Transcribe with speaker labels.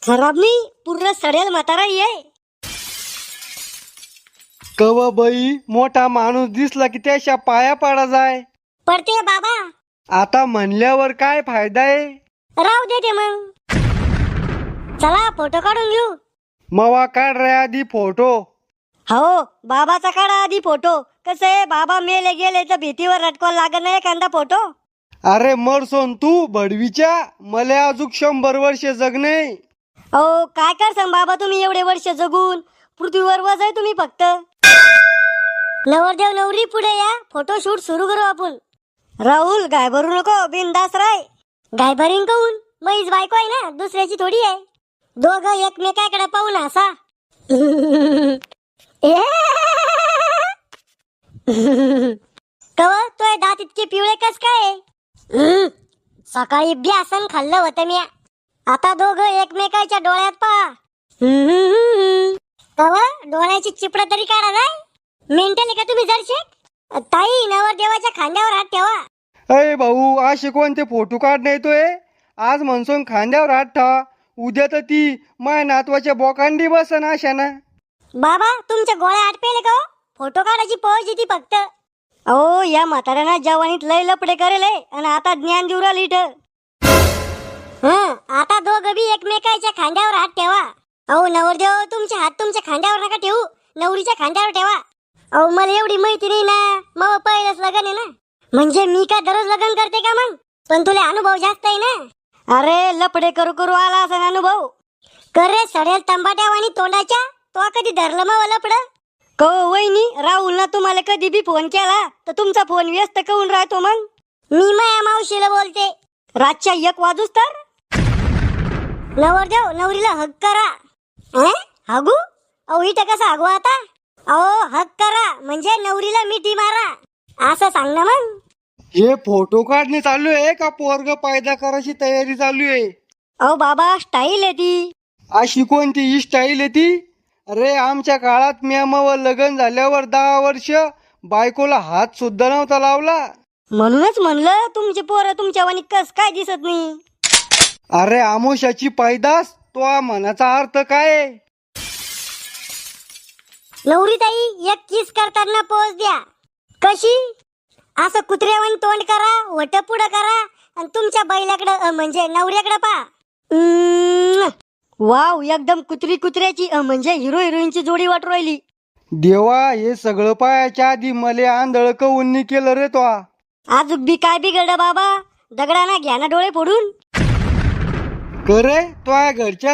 Speaker 1: खराब नाही, पूर्ण सडेल म्हातारा ये.
Speaker 2: कव बाई मोठा माणूस दिसला की त्याच्या पाया पाडा जाय.
Speaker 1: पडते बाबा.
Speaker 2: आता म्हणल्यावर काय फायदा आहे.
Speaker 1: राहू दे ते मग. चला फोटो काढून घेऊ.
Speaker 2: मवा काढ रे आधी फोटो.
Speaker 1: हो बाबाचा काढा आधी फोटो. कसं आहे, बाबा मेले गेले तर भीतीवर रटकॉल लागत नाही एखादा फोटो.
Speaker 2: अरे मरसोन तू भडवीच्या, मले अजून 100 वर्ष जगणे.
Speaker 1: अहो काय करसान बाबा तुम्ही एवढे वर्ष जगून. पृथ्वीवर वज आहे तुम्ही फक्त. नवरदेव नवरी पुढे या, फोटो शूट सुरू करू आपण. राहुल गाय भरू नको, बिनदास राय. गाय भरीन कहून, मैच बायको आहे ना, दुसऱ्याची थोडी आहे. दोघं एकमेकाकडे पाहून हसा. कव तोय दात इतके पिवळे कस काय. सकाळी ब्यासन खाल्लं होतं मी. आता दोघं एकमेकाच्या डोळ्यात पहा. कव डोळ्याची चिपड तरी काढा जाय. मेंटल का तुम्ही जरशेक. ताई नवरदेवाच्या खांद्यावर हात ठेवा.
Speaker 2: अय भाऊ असे कोणते फोटो काढणे येतोय. आज म्हणसून खांद्यावर हात ठेवा, उद्या तर ती माय नातवाच्या बोकांडी बसन अशाना.
Speaker 1: बाबा तुमच्या गोळ्या आटपेले का. फोटो काढायची पळच येते फक्त. अहो या म्हाताऱ्यानं जवानीत लय लपडे करेले आणि आता ज्ञान देऊ राहिली इथं. आता दोघं बी एकमेकाच्या खांद्यावर हात ठेवा. अहो नवरदेव तुमचे हात तुमच्या खांद्यावर नका ठेवू, नवरीच्या खांद्यावर ठेवा. अहो मला एवढी माहिती नाही ना, मग पहिलंच लग्न आहे ना. म्हणजे मी काय दररोज लग्न करते का मग. पण तुला अनुभव जास्त आहे ना. अरे लपडे करू करू आला असा अनुभव. करे सडेल तंबाट्यावानी तोंडाच्या. तो कधी धरलं मग लपड. को वहिनी राहुल ना तुम्हाला कधी बी फोन केला तर तुमचा फोन व्यस्त करून राहतो. मग मी माया मावशीला बोलते रातच्या 1 वाजूस तर. नवरदेव नवरीला हक करा. हगू. अहो इथं कसं हगू आता. अहो हक करा म्हणजे नवरीला मिठी मारा असं सांग ना मग.
Speaker 2: हे फोटो काढणे चालू आहे का पोरग पैदा करायची तयारी चालू आहे.
Speaker 1: अहो बाबा स्टाईल आहे ती.
Speaker 2: अशी कोणती ही स्टाईल आहे ती. अरे आमच्या काळात म्यामावर लग्न झाल्यावर 10 वर्ष बायकोला हात सुद्धा नव्हता लावला.
Speaker 1: म्हणूनच म्हणलं तुमचे पोरं तुमच्या वाणी कस काय दिसत नाही.
Speaker 2: अरे आमोशाची पैदास, तो मनाचा अर्थ काय.
Speaker 1: नवरी ताई एक किस करताना पोज द्या. कशी. असं कुत्र्यावानी तोंड करा, वट पुढं करा आणि तुमच्या बैलाकडं म्हणजे नवऱ्याकडे पहा. वाव एकदम कुत्री कुत्र्याची म्हणजे हिरो हिरोईनची जोडी वाटू राहिली.
Speaker 2: देवा हे सगळं पायाच्या आधी मले आंधळ कवून केलं रे तो.
Speaker 1: आजूक बी काय बिघडलं बाबा. दगडाना घ्या ना डोळे फोडून.
Speaker 2: करे तो घरच्या